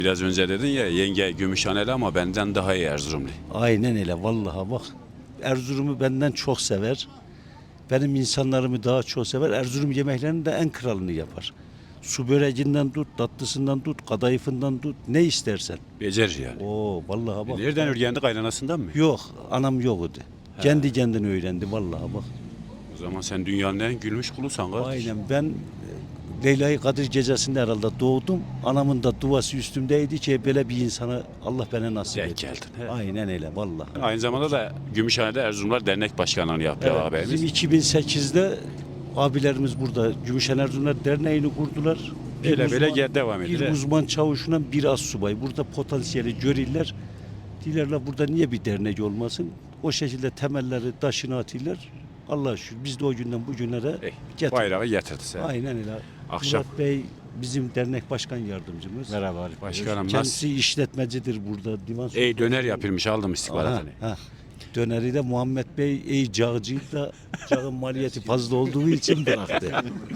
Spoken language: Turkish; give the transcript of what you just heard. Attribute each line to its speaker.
Speaker 1: Biraz önce dedin ya yenge Gümüşhaneli ama benden daha iyi Erzurumlu.
Speaker 2: Aynen öyle vallahi bak. Erzurum'u benden çok sever. Benim insanlarımı daha çok sever. Erzurum yemeklerinin de en kralını yapar. Su böreğinden tut, tatlısından tut, kadayıfından tut, ne istersen.
Speaker 1: Becer yani.
Speaker 2: Oo vallahi bak.
Speaker 1: Nereden öğrendi, kaynanasından mı?
Speaker 2: Yok, anam yoktu. Kendi kendine öğrendi vallahi bak.
Speaker 1: O zaman sen dünyanın en gülmüş kulusan kardeş.
Speaker 2: Aynen ben Leyla-i Kadir gecesinde herhalde doğdum. Anamın da duası üstümdeydi ki böyle bir insana Allah bana nasip
Speaker 1: Denk
Speaker 2: etti.
Speaker 1: geldin, he.
Speaker 2: Aynen öyle vallahi.
Speaker 1: Aynı zamanda da Gümüşhane'de Erzurumlar Dernek Başkanlığı'nı yapıyor
Speaker 2: Evet,
Speaker 1: ağabeyimiz.
Speaker 2: bizim 2008'de abilerimiz burada Gümüşhane Erzurumlar Derneği'ni kurdular.
Speaker 1: Böyle devam
Speaker 2: Bir
Speaker 1: ediyor.
Speaker 2: uzman çavuşuna bir assubay. Burada potansiyeli görürler. Dilerler burada niye bir dernek olmasın? O şekilde temelleri taşını atırlar. Allah'a şükür biz de o günden bugünlere getirdik.
Speaker 1: Bayrağı getirdi sen.
Speaker 2: Aynen öyle.
Speaker 1: Akşam.
Speaker 2: Murat Bey bizim dernek başkan yardımcımız.
Speaker 3: Merhaba.
Speaker 1: Başkanım nasıl?
Speaker 2: Kendisi işletmecidir burada. Divan
Speaker 1: Döner yapılmış aldım istihbaratını.
Speaker 2: Ha. Döneri de Muhammed Bey cağcıydı da cağın maliyeti fazla olduğu için bıraktı.